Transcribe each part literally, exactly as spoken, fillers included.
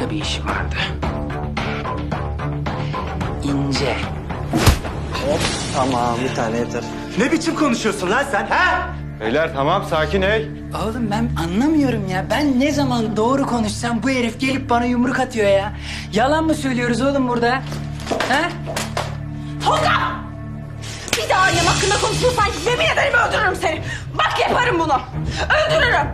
başka bir işim vardı. İnce. Tamam, bir tane yeter. Ne biçim konuşuyorsun lan sen, ha? Beyler tamam sakin ey. Oğlum ben anlamıyorum ya. Ben ne zaman doğru konuşsam bu herif gelip bana yumruk atıyor ya. Yalan mı söylüyoruz oğlum burada? Ha? Tolga! Bir daha annem hakkında konuşursan yemin ederim öldürürüm seni. Bak yaparım bunu. Öldürürüm.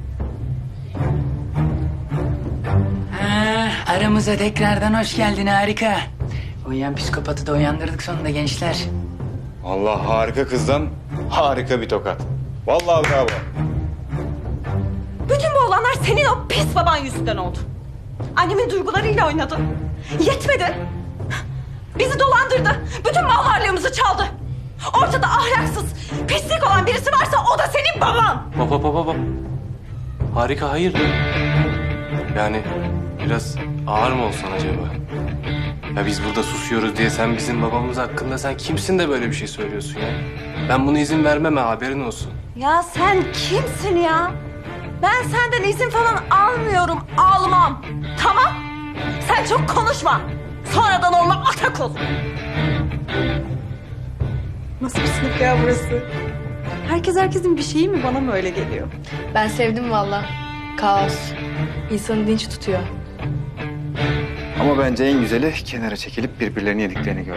Ha, aramıza tekrardan hoş geldin, harika. Uyuyan psikopatı da uyandırdık sonunda gençler. Allah harika kızdan harika bir tokat. Vallahi bravo. Bütün bu olanlar senin o pis baban yüzünden oldu. Annemin duygularıyla oynadı. Yetmedi. Bizi dolandırdı. Bütün mal varlığımızı çaldı. Ortada ahlaksız, pislik olan birisi varsa o da senin baban. Hop hop hop hop. Harika hayırdır? Yani biraz ağır mı olsan acaba? Ya biz burada susuyoruz diye sen bizim babamız hakkında sen kimsin de böyle bir şey söylüyorsun ya? Ben buna izin vermem ha, haberin olsun. Ya sen kimsin ya? Ben senden izin falan almıyorum, almam. Tamam? Sen çok konuşma. Sonradan olma atakul. Nasıl bir sınıf ya burası? Herkes herkesin bir şeyi mi? Bana mı öyle geliyor? Ben sevdim valla. Kaos. İnsanı dinç tutuyor. Ama bence en güzeli kenara çekilip birbirlerini yediklerini gör.